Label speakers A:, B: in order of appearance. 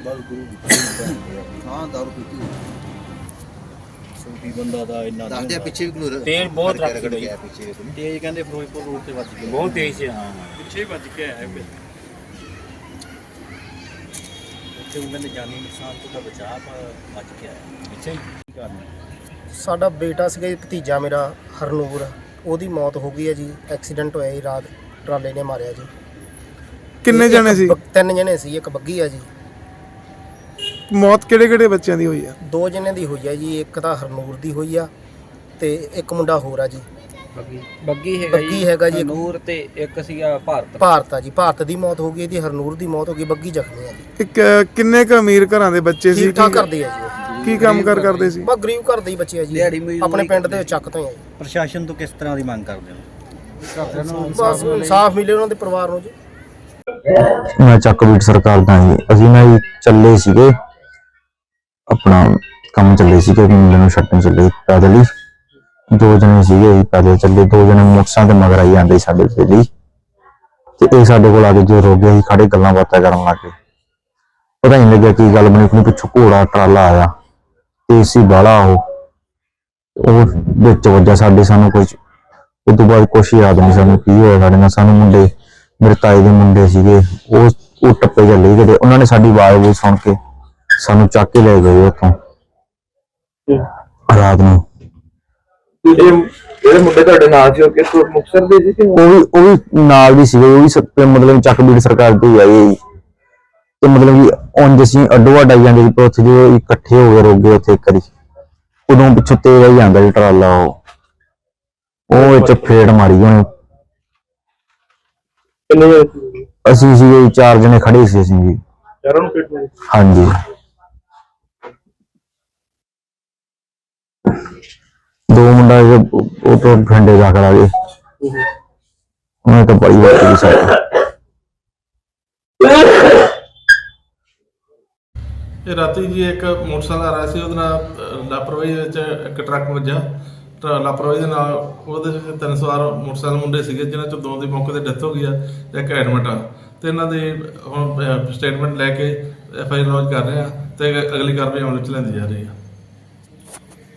A: ਬਸ ਗੁਰੂ ਦੀ ਹਾਂ ਦਾਰੂ ਪੀਤੀ ਸੂਫੀ ਬੰਦਾ ਦਾ ਇੰਨਾ ਦੱਸਦੇ ਪਿੱਛੇ ਵੀ
B: ਤੇਜ਼ ਬਹੁਤ ਰੱਖ
A: ਗਿਆ ਪਿੱਛੇ ਤੇਜ਼ ਕਹਿੰਦੇ ਫਿਰੋਜ਼ਪੁਰ ਰੋਡ ਤੇ ਵੱਜ ਗਿਆ
B: ਬਹੁਤ ਤੇਜ਼ ਸੀ। ਹਾਂ
C: ਪਿੱਛੇ ਵੱਜ ਕੇ ਆਇਆ ਫਿਰ
A: ਉੱਥੇ ਉਹਨਾਂ ਨੇ ਜਾਨੀ ਨੁਕਸਾਨ ਤੋਂ ਤਾਂ ਬਚਾ ਪਰ ਵੱਜ ਕੇ ਆਇਆ
B: ਪਿੱਛੇ ਹੀ
A: ਕਰਨਾ।
D: ਸਾਡਾ ਬੇਟਾ ਸੀਗਾ ਜੀ, ਭਤੀਜਾ ਮੇਰਾ ਹਰਨੂਰ, ਉਹਦੀ ਮੌਤ ਹੋ ਗਈ ਹੈ ਜੀ। ਐਕਸੀਡੈਂਟ ਹੋਇਆ ਜੀ, ਰਾਤ ਟਰਾਲੇ ਨੇ ਮਾਰਿਆ ਜੀ।
E: ਕਿੰਨੇ ਜਣੇ ਸੀ?
D: 3 ਜਣੇ ਸੀ, ਇੱਕ ਬੱਗੀ ਆ ਜੀ।
E: ਮੌਤ ਕਿਹੜੇ ਕਿਹੜੇ ਬੱਚਿਆਂ ਦੀ ਹੋਈ ਆ?
D: 2 ਜਣੇ ਦੀ ਹੋਈ ਆ ਜੀ, ਇੱਕ ਤਾਂ ਹਰਨੂਰ ਦੀ ਹੋਈ ਆ ਤੇ ਇੱਕ ਮੁੰਡਾ ਹੋਰ ਆ ਜੀ।
A: ਬੱਗੀ
D: ਹੈਗਾ ਜੀ,
A: ਨੂਰ ਤੇ ਇੱਕ ਸੀਗਾ
D: ਭਾਰਤ ਆ ਜੀ। ਭਾਰਤ ਦੀ ਮੌਤ ਹੋ ਗਈ, ਇਹਦੀ ਹਰਨੂਰ ਦੀ ਮੌਤ ਹੋ ਗਈ, ਬੱਗੀ ਜ਼ਖਮੀ ਆ ਜੀ।
E: ਇੱਕ ਕਿੰਨੇ ਕ ਅਮੀਰ ਘਰਾਂ ਦੇ ਬੱਚੇ ਸੀ?
D: ਠੀਕ ਠਾਕ ਕਰਦੇ ਆ ਜੀ।
E: ਕੀ ਕੰਮ ਕਰਦੇ ਸੀ?
D: ਬਸ ਗਰੀਬ ਘਰ ਦੇ ਹੀ ਬੱਚੇ ਆ ਜੀ, ਆਪਣੇ ਪਿੰਡ ਦੇ ਚੱਕ ਤੋਂ ਹੀ ਆ ਜੀ।
A: ਪ੍ਰਸ਼ਾਸਨ ਤੋਂ ਕਿਸ ਤਰ੍ਹਾਂ ਦੀ ਮੰਗ ਕਰਦੇ ਹੋ?
D: ਬਸ ਇਨਸਾਫ ਮਿਲੇ ਉਹਨਾਂ ਦੇ ਪਰਿਵਾਰ ਨੂੰ ਜੀ।
F: ਮੈਂ ਚੱਕਬੀਟ ਸਰਕਾਰ ਦਾ ਜੀ। ਅਸੀਂ ਨਾ ਜੀ ਚੱਲੇ ਸੀਗੇ, ਆਪਣਾ ਕੰਮ ਚੱਲੇ ਸੀਗੇ, ਮੁੰਡੇ ਨੂੰ ਛੱਡਣ ਚੱਲੇ ਪੈਦਲ ਹੀ। 2 ਜਣੇ ਸੀਗੇ ਜੀ, ਪੈਦਲ ਚੱਲੇ। 2 ਜਣੇ ਮੋਟਰਸਾਈਕਲ ਤੇ ਮਗਰ ਆਈ ਜਾਂਦੇ ਸਾਡੇ ਲਈ ਤੇ ਇਹ ਸਾਡੇ ਕੋਲ ਆ ਕੇ ਜੋ ਰੁਕ ਗਏ, ਅਸੀਂ ਖੜੇ ਗੱਲਾਂ ਬਾਤਾਂ ਕਰਨ ਲੱਗੇ। ਪਤਾ ਨਹੀਂ ਲੱਗਿਆ ਕੀ ਗੱਲ ਬਣੀ। ਪਿੱਛੋਂ ਘੋੜਾ ਟਰਾਲਾ ਆਇਆ ਤੇ ਸੀ ਬਾਲਾ ਉਹ ਵਿੱਚ ਵੱਜਾ ਸਾਡੇ। ਸਾਨੂੰ ਕੁਝ ਉਸ ਤੋਂ ਬਾਅਦ ਕੁਛ ਯਾਦ ਨਹੀਂ ਸਾਨੂੰ ਕੀ ਹੋਇਆ ਸਾਡੇ ਨਾਲ। ਸਾਨੂੰ ਮੁੰਡੇ, ਮੇਰੇ ਤਾਏ ਦੇ ਮੁੰਡੇ ਸੀਗੇ, ਉਹ ਟੱਪੇ ਚੱਲੇ ਕਿਤੇ। ਉਹਨਾਂ ਨੇ ਸਾਡੀ ਆਵਾਜ਼ ਸੁਣ ਕੇ ਸਾਨੂੰ ਚੱਕ ਕੇ ਲੈ ਗਏ ਉੱਥੋਂ ਰਾਤ ਨੂੰ।
G: ਜਿਹੜੇ ਮੁੰਡੇ ਤੁਹਾਡੇ ਨਾਲ ਸੀ ਉਹ ਕਿਸ ਮੁਕਤਸਰ ਦੇ ਸੀ ਕਿ
F: ਉਹ ਵੀ ਨਾਲ ਦੀ ਸੀਗੇ। ਉਹ ਵੀ ਮਤਲਬ ਚੱਕਬੀਟ ਸਰਕਾਰ ਤੋਂ ਹੀ ਆਏ ਜੀ। ਤੇ ਮਤਲਬ ਕਿ ਉਂਝ ਅਸੀਂ ਅੱਡੋ ਅੱਡ ਆਈ ਜਾਂਦੇ ਸੀ, ਪਰ ਉੱਥੇ ਜੋ ਇਕੱਠੇ ਹੋ ਕੇ ਰੁਕ ਗਏ ਉੱਥੇ ਇੱਕ ਵਾਰੀ। ਉਦੋਂ ਪਿੱਛੋਂ ਤੇਜ਼ ਆਈ ਜਾਂਦਾ ਸੀ ਟਰਾਲਾ, ਉਹ ਵਿੱਚ ਫੇੜ ਮਾਰੀ ਉਹਨੇ। ਅਸੀਂ ਸੀਗੇ 4 ਜਣੇ ਖੜੇ ਸੀ ਅਸੀਂ ਜੀ।
G: ਚਾਰਾਂ ਨੂੰ ਫੇੜ ਮਾਰੀ?
F: ਹਾਂਜੀ। 2 ਮੁੰਡਾ ਉਹ ਤੋਂ ਫੰਡੇ ਦਾਖਲ ਆ ਗਏ। ਉਹਨੇ ਤਾਂ ਬੜੀ ਵਾਰ ਕੀਤੀ ਸਾਡੀ।
C: ਇਹ ਰਾਤੀ ਜੀ ਇੱਕ ਮੋਟਰਸਾਈਕਲ ਆ ਰਿਹਾ ਸੀ, ਉਹਦੇ ਨਾਲ ਲਾਪਰਵਾਹੀ ਵਿੱਚ ਇੱਕ ਟਰੱਕ ਵੱਜਾ। ਲਾਪਰਵਾਹੀ ਦੇ ਨਾਲ ਉਹਦੇ 3 ਸਵਾਰ ਮੋਟਰਸਾਈਕਲ ਮੁੰਡੇ ਸੀਗੇ, ਜਿਨ੍ਹਾਂ ਚੋਂ 2 ਦੀ ਮੌਕੇ ਤੇ ਡੈਥ ਹੋ ਗਈ ਆ ਤੇ ਇੱਕ ਐਡਮਿਟ ਆ। ਤੇ ਇਹਨਾਂ ਦੇ ਹੁਣ ਸਟੇਟਮੈਂਟ ਲੈ ਕੇ FIR ਲੌਂਚ ਕਰ ਰਹੇ ਆ ਤੇ ਅਗਲੀ ਕਾਰਵਾਈ ਅਮਲ ਵਿੱਚ ਲੈਂਦੀ ਜਾ ਰਹੀ ਆ।